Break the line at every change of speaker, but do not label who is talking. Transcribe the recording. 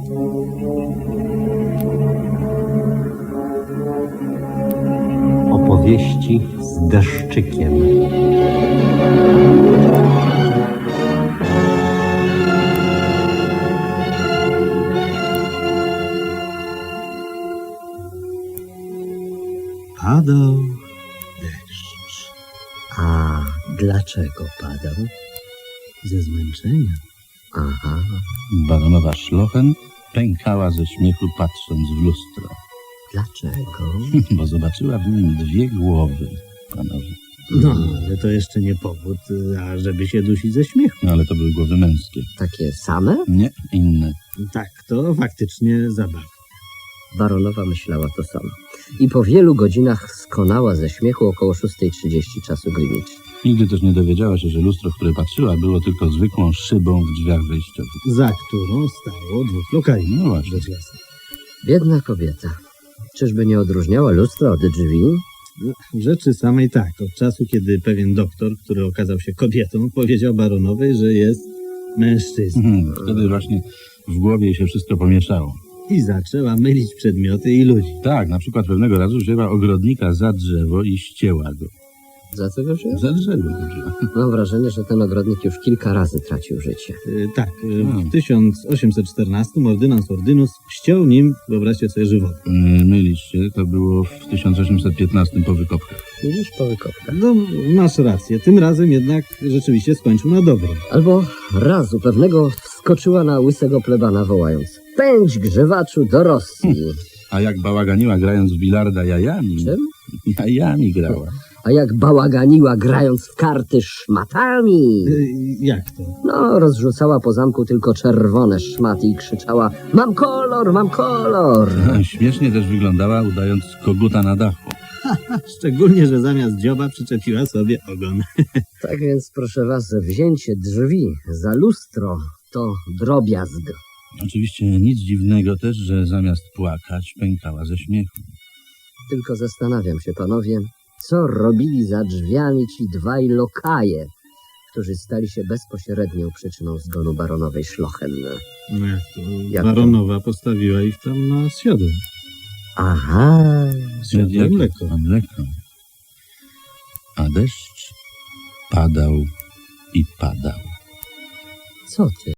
Opowieści z deszczykiem.
Padał deszcz.
A dlaczego padał?
Ze zmęczenia.
Aha,
Baronowa Szlochen pękała ze śmiechu, patrząc w lustro,
dlaczego?
bo zobaczyła w nim dwie głowy, panowie.
No, ale to jeszcze nie powód, ażeby się dusić ze śmiechu.
No ale to były głowy męskie.
Takie same?
Nie, inne.
Tak, to faktycznie zabawa.
Baronowa myślała to samo. I po wielu godzinach skonała ze śmiechu około 6:30 czasu Greenwich.
Nigdy też nie dowiedziała się, że lustro, w które patrzyła, było tylko zwykłą szybą w drzwiach wejściowych.
Za którą stało dwóch lokali.
No właśnie.
Rzecz jasna.
Biedna kobieta. Czyżby nie odróżniała lustra od drzwi?
No, w rzeczy samej tak. Od czasu, kiedy pewien doktor, który okazał się kobietą, powiedział baronowej, że jest mężczyzną.
Wtedy właśnie w głowie jej się wszystko pomieszało.
I zaczęła mylić przedmioty i ludzi.
Tak, na przykład pewnego razu wzięła ogrodnika za drzewo i ścięła go.
Za co go wziął?
Za drzewo go wzięła.
Mam wrażenie, że ten ogrodnik już kilka razy tracił życie.
Tak, w 1814 ordynans Ordynus ściął nim, wyobraźcie sobie, żywot.
Mylisz się, to było w 1815 po wykopkach.
Widzisz, po wykopkach.
No, masz rację. Tym razem jednak rzeczywiście skończył na dobre.
Albo razu pewnego wskoczyła na łysego plebana, wołając: pędź, grzewaczu, do Rosji.
A jak bałaganiła grając w bilarda jajami...
Czym?
Jajami grała.
A jak bałaganiła, grając w karty, szmatami.
Jak to?
No, rozrzucała po zamku tylko czerwone szmaty i krzyczała: mam kolor, mam kolor.
Śmiesznie też wyglądała, udając koguta na dachu.
Szczególnie, że zamiast dzioba przyczepiła sobie ogon.
Tak więc, proszę was, wzięcie drzwi za lustro to drobiazg.
Oczywiście nic dziwnego też, że zamiast płakać, pękała ze śmiechu.
Tylko zastanawiam się, panowie, co robili za drzwiami ci dwaj lokaje, którzy stali się bezpośrednią przyczyną zgonu baronowej Szlochen.
No
Jak to?
baronowa postawiła ich tam na siodło.
Aha,
Siodło i mleko.
A mleko. A deszcz padał i padał.
co ty?